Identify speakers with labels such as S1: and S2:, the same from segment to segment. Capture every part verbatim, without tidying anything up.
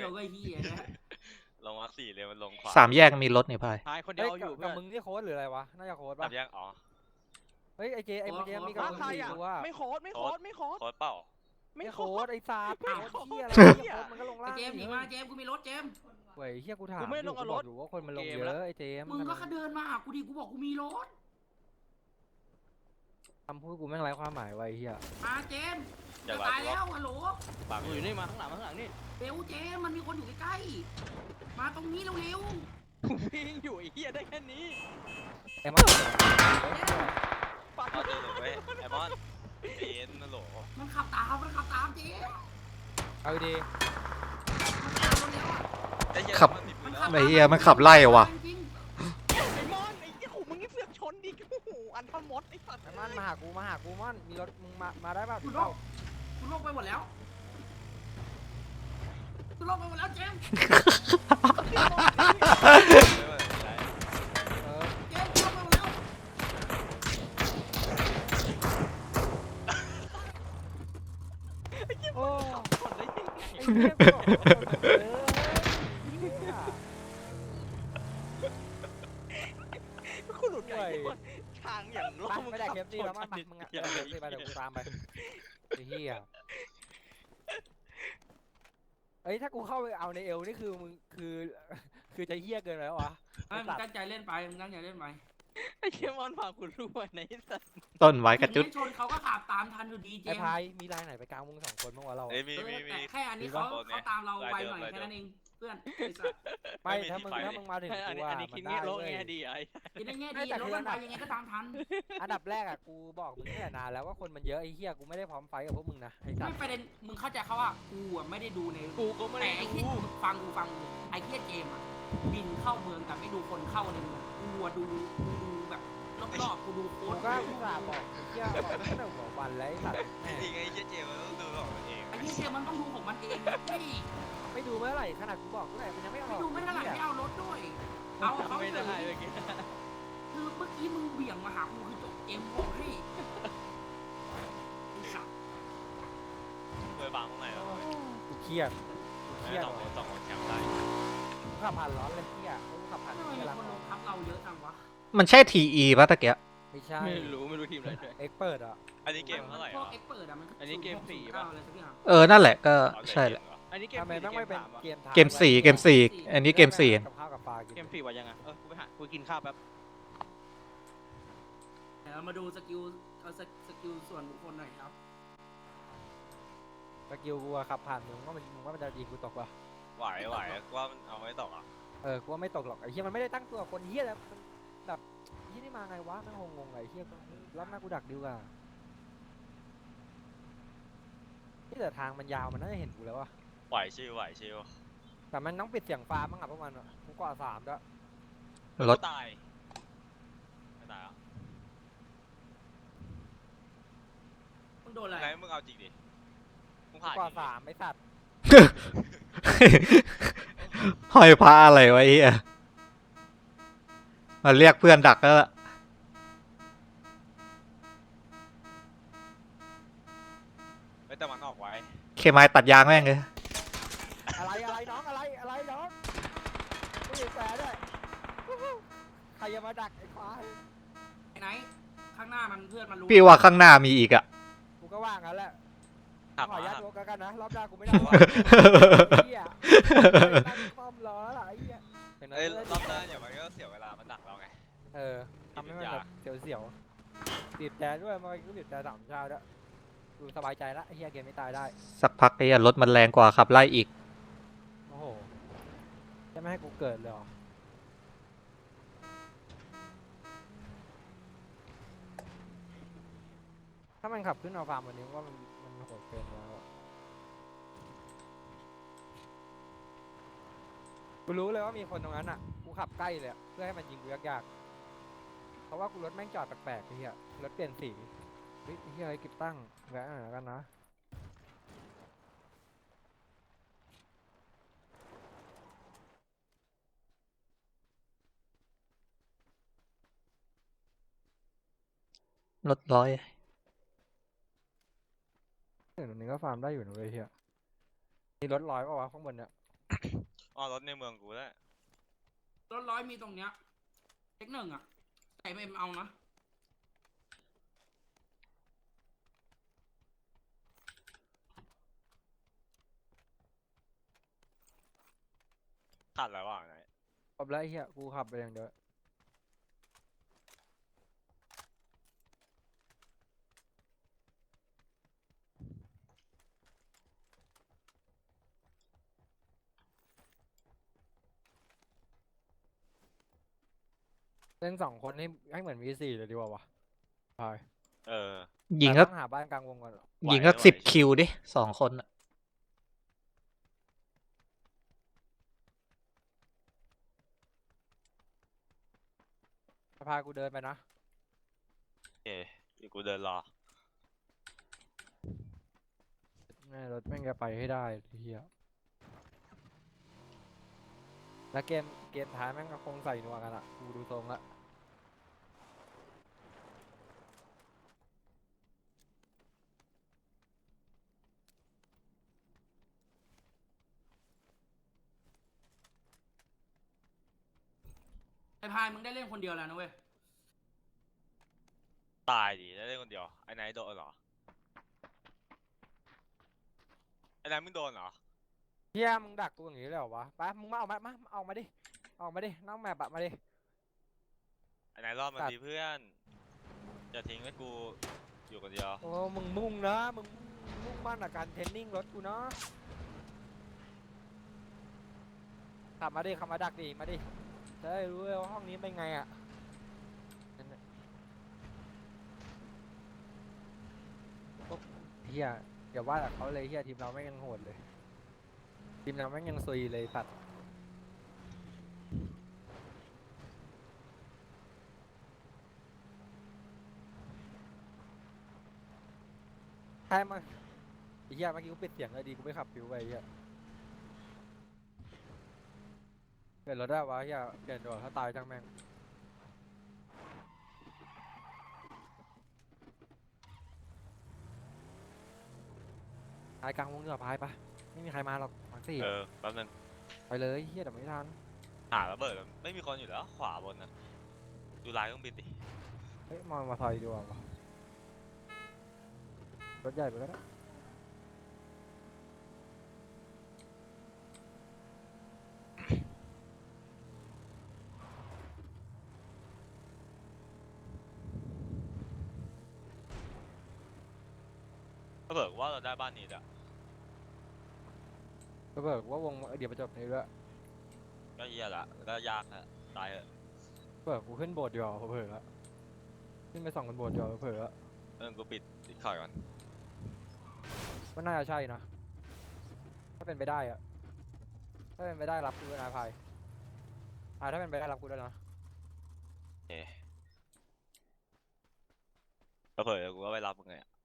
S1: ดียวก็ไอ้เหี้ยนะ
S2: ลงมาร์คสี่เลยมันลงขวา
S3: สามแยกมีรถนี่พาย
S4: หายคนเดียวอยู่
S5: กับ
S4: เพื่อน
S5: มึงนี่โค้ดหรืออะไรวะน่าจะโค้ด
S2: สา
S5: ป่ะ
S2: มแยกอ๋อ
S5: เฮ้ยไอเจไอเจมีกับ
S4: มา
S5: มึง
S4: ใคร
S5: สี่
S4: อ่ะ
S5: ตัว
S4: ไม่โค้ดไม่โค้ดไม่โค้ด
S2: โค้ดเปล่า
S4: ไม่
S5: ไม่
S4: โค้
S5: โค้ด
S4: ด
S5: ไอซาด
S4: ไม่
S5: โค้ด
S4: โค้ด
S5: เฮียอะไร
S4: เหี้
S5: เฮี
S4: ย
S5: ยโค้ดมันก็ลง
S1: ไอ้
S5: ล่าง
S1: เจมส์หนีมาเจมส์กูมีรถเจมส์
S5: เว้ยเฮียกูถาม
S4: กูไม่ได้ลงกับรถ
S5: อยู่ว่าคนมันลง
S4: เกม
S5: เย
S4: แล้ว
S5: อะไอเจม
S1: มึงก็เดินมาหากูดิกูบอกกูมีรถ
S5: คำพูดกูแม่งไร้ความหมายไว้เฮีย
S1: มาเจมส์
S2: อย่า
S1: จะ
S2: ร้า
S1: ตาย
S2: ย
S1: แล้วฮัลโหล
S2: ปาก
S4: กูอยู่นี่มาข้างหลังมาข้างหลังนี่
S1: เร็วเจมส์มันมีคนอยู่ใกล้ๆมาตรงนี้เร็ว
S4: กูวิ่งอยู่ไอ้เหี้ยได้แค่นี้
S5: ไอ้มัน
S4: ปาก
S2: เอาเดินลงไปไอมอนเอ็นนั่นโหล
S1: ๆมันขับตามมันขับตามเจมส์
S5: เอาดี
S1: มันขับรถเร็วอะ
S2: ไอ้เหี้ย
S3: ขับ
S2: มันติดมื
S1: มัน
S2: อ
S1: ขับ
S2: แล้ว
S3: ไอ้เหี้ยมันขับไล่ว่ะ
S1: จริง
S4: ไอ้มอนไอ้เหี้ยขู่มึงนี่เสือกชนดิโอ้โหอันทมดไอ้สัตว์
S5: ไอ้มันมาหากูมาหากูมันมีรถมึงมามาได้ป่ะ
S1: ๆคุณโล
S5: เข้าก
S1: คุณโลกไปหมดแล้วคุณโลกไปหมดแล้วเจมส์
S5: เออ
S1: เจมส์คุณโลกไปหมดแล้ว
S5: โอ้
S4: ชนได้ยังไง
S5: ไอ้เหี้ยกูบอกว่าคนมันเยอะเหี้ย
S4: กูหลุดไปทางอย่างโล
S5: ไป
S4: กมึง
S5: ไม่ได้
S4: ขับ
S5: เคฟซีแล้วมั้งไปมึงอะไม่ได้เคฟซีไปเดี๋ยวกูตามไปไอ้เหี้ยเอ้ยถ้ากูเข้าไปเอาในเอลนี่คือมึงคือ คือจะเหี้ยเกินไปแล้ววะ
S1: ไอ้มึงตั้งใจเล่นไปมึงตั้งใจเล่นไป
S4: ไอ้เหี้ยมอนพากูรู้ว่าในสัตว์
S3: ต้นไว้กระจุด
S1: ไม่ชนเขาก็ขับตามทันอยู่ดีเจ
S5: ไอ้
S1: มส์
S5: พายมีลายไหนไปกลางมึงสองคนบ้างวะเรา
S2: เอ้ยมี
S1: เออ
S2: มีมี
S1: แต่แค่อันนี้
S5: มี
S1: เขา
S5: ปะ
S1: เขาตามเราไวหน่อย
S2: รายเดิม
S1: แค่นั้นเองเพื่อนไอ้สัส
S5: ไม่
S2: ไม่มี
S5: ถ้ามึง
S2: ที่ไป
S5: ถ้ามึงมาถึง
S4: อัน
S5: กู
S4: นี้
S5: อะ
S4: อันนี้
S5: มั
S4: คิด
S5: นได้
S4: แง่โลก
S5: เว้ย
S4: แง่ดีไอ้
S1: กินได้แง่
S5: ไม่
S1: ดี
S5: แต่
S1: รถ
S5: คือ
S1: มันไปยังไงก็ตามทัน
S5: อันดับแรกอะกูบอกมึงตั้งแต่นานแล้วว่าคนมันเยอะไอ้เหี้ยกูไม่ได้พร้อมไฟท์กับพวกมึงนะไอ้สั
S1: ไม่
S5: ตว์
S1: ประเด็นมึงเข้าใจเขาว่ากูอะไม่ได้ดูใน
S4: กูก็ไม่
S1: แต่
S4: ได้
S1: ไอ้
S4: ดู
S1: ที่ฟังกูฟังกูไอ้เหี้ยเจมส์อะบินเข้าเมืองแต่ไม่ดูคนเข้าในเมืองกูอะดูกูดูแบบรอบๆกูดูโค้
S5: กู
S1: ด
S5: ก็อุตส่าห์บอกไอ้เหี้ยบอกตั้งแต่หัววันแล้วไอ้สัตว์แม่
S2: จริงไอ้เจ๊เจมันต้องดูของมันเอง
S1: ไอ้เหี้ยเจมส์มันต้องดูของมันเองไม่
S5: ไม่ดูเมื่อไหร่ขนาดกูบอกเมื่อไหร่มันยังไม่ออก
S1: ไม่ดูไม่เท่าไหร่ไม่เอารถด้วยเอาเขา
S4: ไม่
S1: เฉ
S4: ได้
S1: ย
S4: เมื่อกี้
S1: คือเมื่อกี้มึงเบี่ยงมาหากูคือจบเกมบอกให้ไอ้สัส
S2: เคยบางตรงไหนแล้ว
S5: กูเครียดกูเครียด
S2: สองคนสองคนแชมป์ได้
S5: กูขับผ่านร้อนเลยเหี้ยกูขับผ่าน
S1: ทำไม
S5: ที่
S1: มี
S5: กำลัง
S1: คนลงทับเราเยอะจังวะ
S3: มันใช่ทีอีป่ะตะเกีย
S5: ไม่ใช่
S4: ไม่รู้ไม่รู้ทีมอะไรด้วย
S5: เอ็กเปิดอ่ะ
S2: อันนี้เกมเท่าไหร่
S1: พวก
S2: อ่ะ
S1: เอ็กเปิดอะมัน
S4: อันนี้เกมสี่
S1: ป่ะ
S4: ป่ะ
S1: อะไรสักอย่าง
S3: เออนั่นแหละก็ใช่แหละ
S4: อันนี้เกม
S5: ทำไม
S4: สี่
S5: ต้องไม่เป็น
S4: วะ
S5: เกมทาง
S3: เกมสี่เกมสี่อันนี้เกมสี่
S5: กับข้าวกับปลากิน
S4: เกมสี่ว่ายังไงเออกูไปหากูกินข้าวแป๊บ
S1: เดี๋ยวเรามาดูสกิลเอาสสกิลส่วนบุคคลหน่อยครับ
S5: สกิลกูอะขับผ่านมึงว่ามันมึงว่ามันจะยิงกูตกปะ
S2: ไหวไหวว่ามันเอาไม่ตกอ่ะ
S5: เออกูว่าไม่ตกหรอกไอ้เหี้ยมันไม่ได้ตั้งตัวคนเหี้ยแล้วมันแบบเหี้ยนี่มาไงวะแม่งงงๆไอ้เหี้ยรอบหน้ากูดักดิวอ่ะที่แต่ทางมันยาวมันน่าจะเห็นกูแล้วอะ
S2: ไหวชิวไหวชิว
S5: แต่มันต้องปิดเสียงฟ้าบ้างอะพวกมันอะกูกว่าสามด้วย
S3: รถ
S2: ตายไม่ตายอ่ะ
S1: มึงโดนอะไร
S2: ไหนมึงเอาจริงดิมึง
S5: กู
S2: ผ่าน
S5: กว่าสามไอ้สัตว์
S3: ห้อยพระอะไรไว้เหี้ยมาเรียกเพื่อนดักแล้วล่ะ
S2: ไม่แต่มันออกไว้
S3: เคมายตัดยางแม่งเลย
S5: อะไรอะไรน้องอะไรอะไรน้องกูอยู่แฝดด้วยใครจะมาดักไอ้ควาย
S1: ไอ้ไหนข้างหน้ามันเพื่อนมันรู้
S3: พี่ว่าข้างหน้ามีอีกอ่ะ
S5: กูก็ว่างั้นแหละ
S2: ขับ
S5: ขอ
S2: มา
S5: อนุญาต
S2: ขับ
S5: โดนกันนะรอบหน้ากูไม่ได้ว่ะเหี้ยตั้งป้อมรอแล้วล่ะไอ้เหี้ยเป็นไง
S2: เอ้ยรอบหน้าอย่ามันก็เสียเวลามันดักเราไง
S5: เออทำให้มันแบบเสียวๆบีบแต่ด้วยมันก็บีบแต่สามชาด้วยดูสบายใจละไอ้เหี้ยเกมไม่ตายได้
S3: สักพักไอ้เหี้ยรถมันแรงกว่าขับไล่อีก
S5: โอ้โหจะไม่ให้กูเกิดเลยเหรอถ้ามันขับขึ้นเอาฟาร์มวันนี้ว่ามันมันโหดเกินแล้วอะกูรู้เลยว่ามีคนตรงนั้นอ่ะกูขับใกล้เลยอะเพื่อให้มันยิงกูยากๆเพราะว่ากูรถแม่งจอดแปลกๆไอ้เหี้ยรถเปลี่ยนสีเฮ้ยไอ้เหี้ยอะไรกิบตั้งแวะหน่อยแล้วกันนะ
S3: รถร้อย
S5: เดี๋ยวตรงนี้ก็ฟาร์มได้อยู่นะเว้ยเฮียมีรถลอยป่าวะข้างบนเนี่ย
S2: อ๋อรถในเมืองกูแล้ว
S1: รถร้อยมีตรงเนี้ยเทคหนึ่งอ่ะแต่ไม่เอานะ
S2: ขาดอะไรวะไหน
S5: ขับแล้วไอ้เหี้ยกูขับไปอย่างเดียวเล่นสองคนให้ให้เหมือนวีสี่เลยดีกว่าวะไป
S2: เออ
S3: ยิง
S5: แต่
S3: ก็
S5: ต้องหาบ้านกลางวงก่อนเหรอ
S2: ไหว
S3: ยิงก็
S2: ไหว
S3: สิบ
S2: ชิว
S3: คิวดิสองคนอะ
S5: พากูเดินไปนะ
S2: โอเคเดี๋ยวกูเดินรอ
S5: แม่รถแม่งจะไปให้ได้ไอ้เฮียแล้วเกมเกมท้ายแม่งก็คงใส่นัวกันอะกูดูทรงละ
S1: ไอ้พายมึงได้เล่นคนเดียวแล้วนะเว้ย
S2: ตายดิได้เล่นคนเดียวไอ้ไหนโดนเหรอไอ้ไหนมึงโดนเหรอ
S5: เฮียมึงดักกูอย่างนี้เลยเหรอวะไปมึงมาเอามามาเอามาดิเอามาดิน้องแมปอะมาดิ
S2: ไอ้ไหนรอดมา
S5: ตัด
S2: ดีเพื่อนอย่าทิ้งให้กูอยู่คนเดียว
S5: โอ้มึงมุ่งนะมึงมุ่งมั่นกับการเทรนนิ่งรถกูเนาะขับมาดิขับมาดักดิมาดิจะได้รู้เลยว่าห้องนี้เป็นไงอะนั่นน่ะโอ๊ะเฮียอย่าว่าแต่เขาเลยเฮียทีมเราแม่งยังโหดเลยทีมเราแม่งยังซุยเลยสัตว์ใช่มั้งไอ้เฮียเมื่อกี้กูปิดเสียงเลยดีกูไม่ขับฟิวไปไอ้เฮียเปลี่ยนรถได้วะเฮียเปลี่ยนดีกว่าถ้าตายจังแม่งตายกลางวงเรือพายปะไม่มีใครมาหรอกมาสี่
S2: เออแป๊บนึง
S5: ไปเลยเฮียแต่ไม่ทัน
S2: หาระเบิดมันไม่มีคนอยู่แล้วขวาบนน่ะดูลายเครื่องบินดิ
S5: เฮ้ยมองมาซอยดีกว่าวะรถใหญ่ไปก็ได้
S2: ระเบิดว่าเราได้บ้านนี้อะ
S5: ก็เบิกว่าวงเดี๋ยวไปจบนี้ด้วย
S2: ก็เหี้ยละก็ยากอะตายเถอะ
S5: เบิกกูขึ้นโบสถ์ดีกว่าเผลอๆละขึ้นไปส่องกันโบสถ์ดีกว่าเผลอๆละ
S2: เออกูปิดปิดคอยก่อน
S5: ก็น่าจะใช่นะถ้าเป็นไปได้อะถ้าเป็นไปได้รับกูด้วยนะพายอ่าถ้าเป็นไปได้รับกูด้วยนะ
S2: เอ๊ะก็เผลอๆกูก็ไปรับมึงไงอะ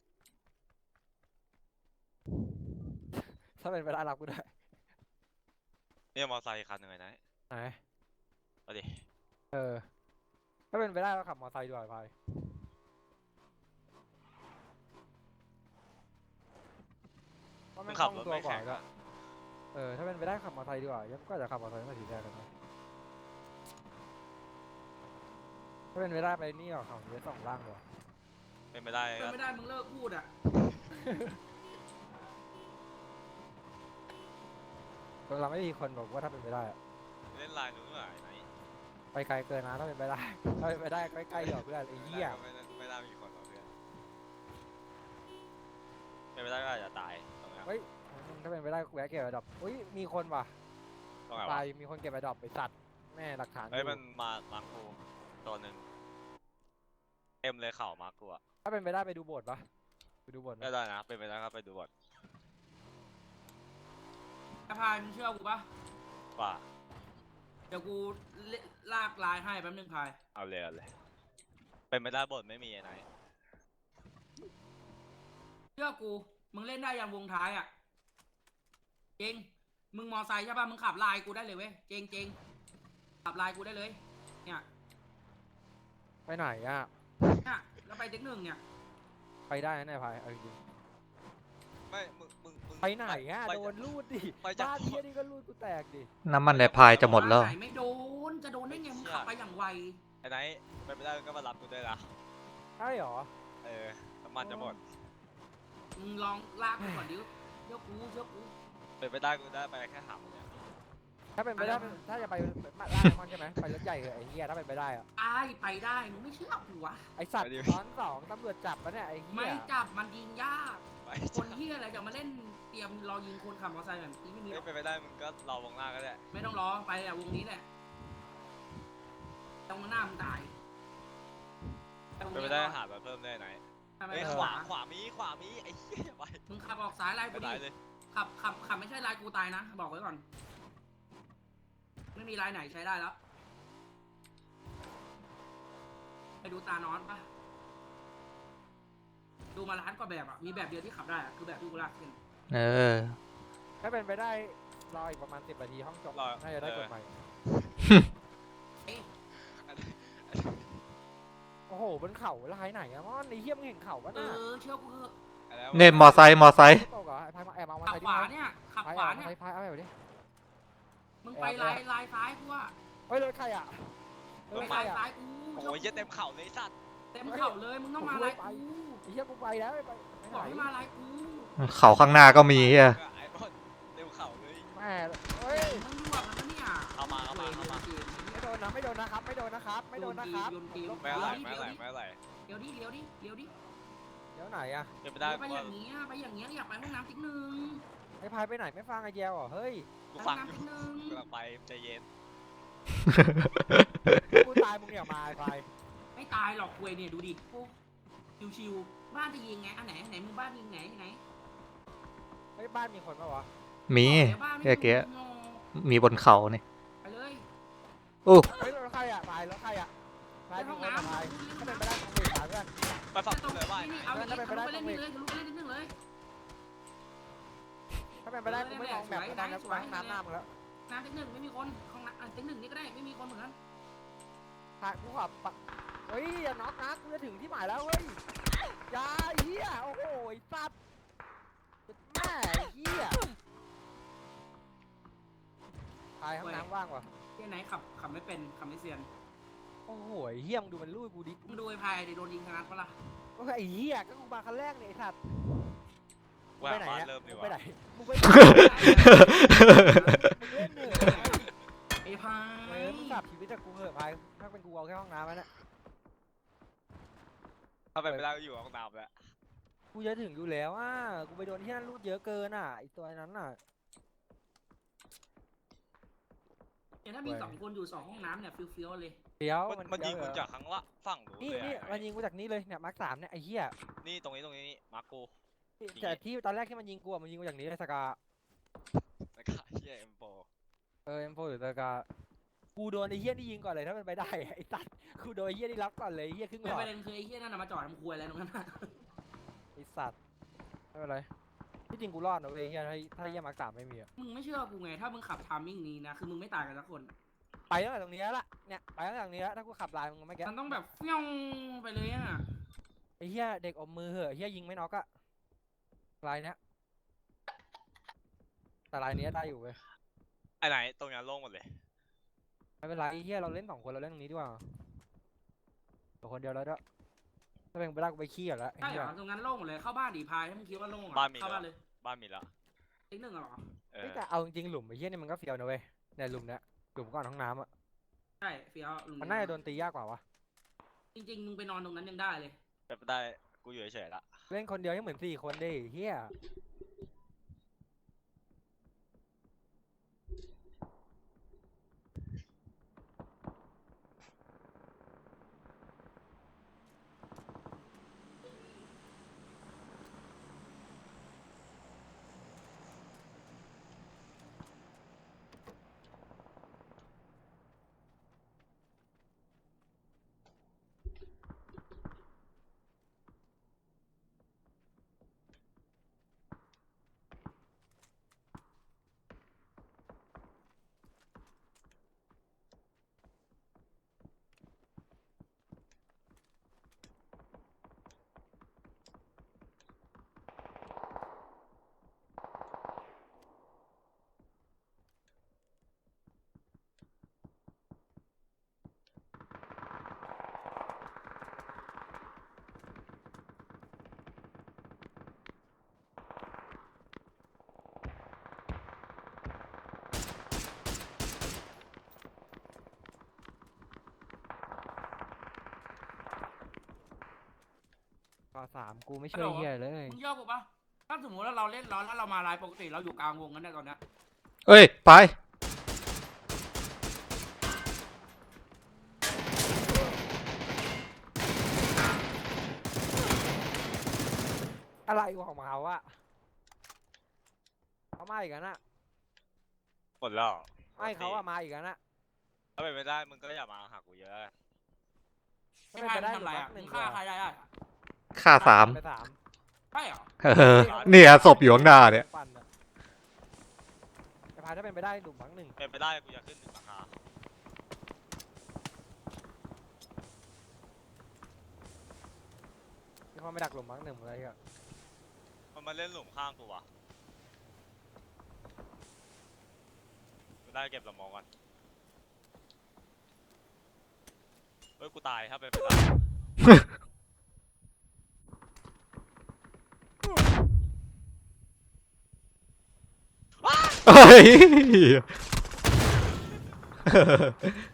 S5: ถ้าเป็นไปได้รับกูด้วย
S2: เนี่ยมอไซค์อีกคันหนึ่งไงนะ
S5: ไหน
S2: เอาดิ
S5: เออถ้าเป็นไปได้ก็ขับมอเตอร์ไซค์ดีกว่าพายเพราะ
S2: มึ
S5: แม่
S2: ง
S5: ง
S2: ขับ
S5: คล่
S2: ร
S5: อ
S2: ถ
S5: งตัว
S2: ไม่
S5: กว่า
S2: แข็ง
S5: ก็
S2: อะ
S5: เออถ้าเป็นไปได้ขับมอเตอร์ไซค์ดีกว่ายังก็จะขับมอเตอร์ไซค์มาสีแดงกันนะถ้าเป็นไปได้ไปนี่หรอของเยอะสองล่างเลย
S2: เป็นไม่ได้
S1: เป็น
S2: ก็
S1: ไม่ได้มึงเลิกพูดอ่ะ
S5: คนเราไม่มีคนบอกว่าถ้าเป็นไปได้อะ
S2: เล่นลายนู้นหน่อยไหน
S5: ไปไกลเกินนะถ้าเป็นไปได้ ถ้าเป็นไปได้ใกล้ๆหรอเพื่อนไอ้เหี้ย
S2: ไม่ได้ไม่ได้มีคนหรอกเพื่อนเป็นไม่ได้ก็อาจจะตายตรงนี้
S5: เฮ้ยถ้าเป็นไปได้แวะเก็บไอ้ดอกอุ้ยมีคนว่ะ
S2: ตรงไหน
S5: ตา
S2: ะ
S5: วยมีคนเก็บไอ้ดอกไปสัตว์แม่หลักฐาน
S2: เฮ้ย
S5: อยู่
S2: มันมามาร์คกูตัวหนึ่งเอ็มเลยเข่ามาร์คกูอะ
S5: ถ้าเป็นไปได้ไปดูโบสถ์ปะไปดูโบสถ์ไหม
S2: ก็ได้นะเป็นไปได้ก็ไปดูก่อน
S1: ไอ้พายมึงเชื่อกูปะ
S2: ว่า
S1: เดี๋ยวกูเลลากลายให้แป๊บนึงพาย
S2: เอาเลยเอาเลยเป็นไม่ได้บทไม่มีไอ้ไหน
S1: เชื่อกู มึงเล่นได้ยังวงท้ายอ่ะเจงมึงมอไซค์ใช่ปะมึงขับลายกูได้เลยเว้ยเจงเจงขับลายกูได้เลย เนี่ย
S5: ไปไหนอ่ะ
S1: เนี่ยแล้วไปเทคหนึ่งเนี่ย
S5: ไปได้นะเนี่ยพายเอาจริง
S2: ไม่มึงมึงมึง
S5: ไปไหนอ่ะ
S2: ไป
S5: โดนลูดดิ
S2: ไปจาก
S5: บ้านเฮียนี่ก็ลูดกูแตกดิ
S3: น้ำมันในพายจะหมดแล้ว
S1: ไหนไม่โดนจะโดนได้ไงมึงขับไปอย่างไว
S2: ไอ้ไหนไปไม่ได้ก็มารับกูได้ละ
S5: ใช่หรอ
S2: เออน้ำมันจะหมด
S1: มึงลองลากกูก่อนดิเชื่อกูเชื่อกู
S2: ไปไม่ได้กูได้ไปแค่หามเนี่ย
S5: ถ้าเป็นไปได้ถ้าจะไปมาล่ามันใช่ไหมไปรถใหญ่เลยไอ้เฮียถ้าเป็นไปได้อะ
S1: ไอ้ไปได้มึงไม่เชื่อกูวะ
S5: ไอสัตว์ตอนสองตำรวจจับแล้วเนี่ยไอ้เฮี
S1: ไม่
S5: ย
S1: จับมันยิงยาก
S2: ไป
S1: คนเฮียอะไรจะมาเล่นเตรียมรอยิงคนขับมอเตอร์ไซค์แบบนี้ไม่มีหร
S2: ไม่
S1: อก
S2: ไปไม่ได้มึงก็รอวงหน้าก็ได้
S1: ไม่ต้องรอไปแหละวงนี้แหละตรงหน้ามึงตายแต่วง
S2: ไป
S1: นี้
S2: ไม่ได้หามาเพิ่มได้ไหน
S1: ทำไม
S2: เฮ้ย
S1: ไม่
S2: ข
S1: ข
S2: วาว
S1: า
S2: ขวามีขวามีไอ้เหี้ยไป
S1: มึงขับออกซ้ายไล่
S2: ไป
S1: กู
S2: ไหน
S1: ดิ
S2: เลย
S1: ขับขับขับไม่ใช่ลายกูตายนะบอกไว้ก่อน ไม่มีลายไหนใช้ได้แล้วไปดูตานอนปะดูมาล้านกว่าแบบอ่ะมีแบบเดียวที่ขับได้อะคือแบบที่กูลากขึ้น
S3: เออ
S5: ถ้าเป็นไปได้รออีกประมาณสิบนาทีห้องจบ
S2: รอ
S5: น่าจะได้กฎหมาย
S1: เอ๊ะ
S5: โอ้โหบนเขาลายไหนอะมอนไอ้เฮียมึงเห็นเขาปะ
S1: เอ
S5: น่ะ
S1: อเชื่อกูเถอะ
S2: แล้ว
S3: เนี่ยมอไซค์มอไซค์
S5: ตกเหรอไอ้พายมาแอบเอามา
S1: ขับ
S5: ใส่
S1: ขวาเนี่ยขับ
S5: พาย
S1: ขวา
S5: เอา
S1: เนี่ย
S5: พายเอาไปดิ
S1: มึงไปลายลายซ้ายกูว่า
S5: เฮ้ยรถใครอ่ะร
S1: ไป
S5: ถใคร
S1: ลาย
S5: อ่ะ
S1: ซ้ายกู
S2: โอ้ยเหี้ยเต็มเข่าเลยไอ้สัตว์
S1: เต็มเข่าเลยมึงต้องมาลายกู
S5: ไอ้เฮียกูไปแล้วไปไป
S1: บอก
S5: ไหน
S1: ให้มาลายกู
S3: เขาข้างหน้าก็มีเฮีย
S2: ไอ้บอลเต็มเข่าเลย
S5: แม่เฮ้ย
S1: มึงรั่วมันนะเนี่ย
S2: เอามาเอามาเอามา
S5: ไม่โดนนะไม่โดนนะครับไม่โดนนะครับไม่โดนนะครับ
S1: โยนที
S2: ไม่อะไรไม่อะไรไม่อะไร
S1: เดี๋ยวดิเดี๋ยวดิเดี๋ยวดิ
S5: เดี๋ยวไหนอ่ะ
S2: เป็นไปได้
S1: ไป
S2: กู
S1: อย่างเงี้ยไปอย่างเงี้ยอยากไปห้องน้ำติ๊กหนึ่ง
S5: ไอ้พายไปไหนไม่ฟังไอ้แยวเหรอเฮ้ย
S2: กู
S1: ไปห้
S2: ฟั
S1: อง
S2: งอยู่
S1: น้ำติ๊กหนึ่ง
S2: กำลังไปใจเย็น
S5: กูตายมึงอย่ามาไอ้พาย
S1: ไม่ตายหรอกคุยเนี่ยดูดิโอ้ชิวๆบ้านจะยิงไงอันไหนไหนมึงบ้านยิงไหนไหน
S5: เฮ้ยบ้านมีคนปะวะ
S3: มี
S1: ดี๋ยวบ้านไม่
S3: เมื่อกี้
S1: งง
S3: มีบนเขานี่
S1: ไปเลย
S3: อู้
S5: เฮ้ยรถใครอ่ะพายรถใครอ่ะพาย
S1: ไป
S5: มี
S1: ห้อง
S5: คน
S1: น้ำ
S5: อ่ะพาย
S1: ดูดิ
S5: ถ้าเป็นไปได้ตรงนี้หาเพื่อน
S2: ไปฝั่งกูเลยว่า
S1: นี่เอาอย่างนี้ทะลุไปเล่นนี่เลยทะลุไปเล่นนิดนึงเลย
S5: ถ้าเป็นไปได้กูไม่มองแบบตอนนี้กูไปห้องน้ำหน้ามึงแล้ว
S1: น้ำติ๊กหนึ่งไม่มีคนห้องน้ำติ๊กหนึ่งนี่ก็ได้ไม่มีคนเหมือนกัน
S5: พายกูขับปะเฮ้ยอย่าน็อกนะกูจะถึงที่หมายแล้วเฮ้ยอย่าไอ้เหี้ยโอ้โหไอ้สัตว์แม่ไอ้เหี้ยพายห้องน้ำว่างวะ
S1: ที่ไหนขับขับไม่เป็นขับไม่เซียน
S5: โอ้โหไอ้เหี้ยมึงดูมันลูดกูดิ
S1: มึงดูไอ้พายดิโดนยิงขนาดปะล่ะ
S5: โอ้ยไอ้เหี้ยก็กูมาคันแรกเนี่ยไอ้สัตว์
S2: ว่า
S5: ไปไหน
S2: บ้าน
S5: อะ
S2: เริ่มดี
S5: มึง
S2: ก
S5: ไป
S2: ว่า
S5: ไหนมึงไปไหนมึงเล่นเหนื่อย
S1: ไอ้พา
S5: เอย อมึงกลับชีวิตจากกูเหอะพายถ้าเป็นกูเอาแค่ห้องน้ำแล้วเนี่ย
S2: ถ้าไปไม่ได้ก็อยู่ห้องน้ำแล้ว
S5: กูจะถึงอยู่แล้วอ่ะกูไปโดนที่นั่นรูดเยอะเกินอ่ะไอตัวนั้นอ่ะ
S1: เนี่ยถ้ามีสองคนอยู่สองห้องน้ำเนี่ยฟิลฟิลเลย
S5: เดี๋ยว
S2: มันมันยิงกู
S5: เดี๋ว
S2: จากข้างละฝั่งนู้น
S5: นี่
S2: เลย
S5: นี่
S2: อะ
S5: มันยิงกูจากนี้เลยเนี่ยมาร์คสามเนี่ยไอ้เหี้ย
S2: นี่ตรงนี้ตรงนี้นี่มาร์คกู
S5: ที่
S2: ยิง
S5: แต่ที่ตอนแรกที่มันยิงกูอะมันยิงกูจากนี้เลยสกา
S2: แล้วก็เฮียเอ็มโฟ
S5: เออเอ็มโฟหรือสกากูโดนไอ้เหี้ยนี่ยิงก่อนเลยถ้าเป็นไปได้ไอ้สัตว์กูโดนไอ้เหี้ยนี่รับก่อนเลยไอ้เหี้ยครึ่งหล
S1: แต่
S5: อ
S1: ป
S5: ด
S1: ระเด็นคือไอ้เหี้ยนั่นน่ะมาจอดทำครัวอะไรตรงนั้นน่ะ
S5: ไอ้สัตว์ไม่เป็นไรที่จริงกูรอดนะเว้ยไอ้เหี้ยถ้าถ้าเหี้ยมาร์คสามไม่มีอะ
S1: มึงไม่เชื่อกูไงถ้ามึงขับทามมิ่งนี้นะคือมึงไม่ตายกันสักคน
S5: ไปตั้งแต่ตรงนี้แล้วล่ะเนี่ยไปตั้งแต่ตรงนี้แล้วถ้ากูขับลายมึงไม่แก้
S1: มันต้องแบบเฟี้ยงไปเลยอ่ะ
S5: ไอ้เหี้ยเด็กอมมือเหอะไอ้เหี้ยยิงไม่น็อกอะลายเนี้ยแต่ลายเนี้ยได้อยู่เว้ย
S2: ไอ้ไหนตรงนี้โล่งหมดเลย
S5: ไม่เป็นไรไอ้เหี้ยเราเล่นสองคนเราเล่นตรงนี้ดีกว่าตัวคนเดียวแล้วด้วยถ้าเป็นไปได้กูไปขี้ก่อนละไอ้
S1: ใช่เห
S5: เหี้
S1: ร
S5: ย
S1: อตรงนั้นโล่งหมดเลยเข้าบ้านดีพายถ้ามึงคิดว่าโล่งอ่ะ
S2: บ้านมี
S1: เข้า
S2: แล้ว
S1: บ้านเลย
S2: บ้านมีแล้ว
S1: ติ๊กหนึ่งเหรอ
S2: เอ
S5: เฮ้
S2: อย
S5: แต่เอาจริงๆหลุมไอ้เหี้ยนี่มันก็เฟียวนะเว้ยเนี่ยหลุมเนี้ยหลุมก่อนห้องน้ำอะ
S1: ใช่เฟี้ยวลุง
S5: มันน่าจะโดนตียากกว่าวะ
S1: จริงๆมึงไปนอนตรงนั้นยังได้เลย
S2: เป็นไปได้กูอยู่เฉยๆละ
S5: เล่นคนเดียวยังเหมือนสี่คนดิเหี้ยสามกูไม่ช่วยเฮียเลย
S1: มึงเชื่อกูปะถ้าสมมติว่าเราเล่นร้อนแล้วเรามาไลน์ปกติเราอยู่กลางวงกันได้ตอนเนี้ย
S3: เอ้ย ไป
S5: อะไรของเขาอะเขามาอีกแล้วนะ
S2: หมดแล้ว
S5: ไม่เขาอะมาอีกแล้วนะ
S2: ถ้าเป็นไม่ได้มึงก็อย่ามาหากูเยอะ
S5: ถ้า
S1: ไม่
S5: เป็น
S1: พา
S5: ไป
S1: มึ
S5: ได้
S1: ง
S5: ห
S1: ทำ
S5: ลุ
S1: ไร
S5: ม
S1: อ่ะ
S5: บักห
S1: มึ
S5: นึ่
S1: ง
S5: ง
S1: ฆ่าใคร
S5: เดียว
S1: ได้อ่ะ
S3: ค่าสาม
S5: ไปสาม
S1: ใช่เหรอ
S3: เออ เนี่ยศพอยู่ข้างหน้าเนี่ย
S5: ปั่อะไอ้พายถ้าเป็นไปได้หลุมบักหนึ่ง
S2: เป็นไปได้กูจะขึ้นหนึ่งราคา
S5: มีคนไปดักหลุมบักหนึ่งหมดเลยอะ
S2: มันมาเล่นหลุมข้างกูวะกูได้เก็บสมองก่อนเฮ้ยกูตายถ้าเป็นไปได้
S3: เฮ้ย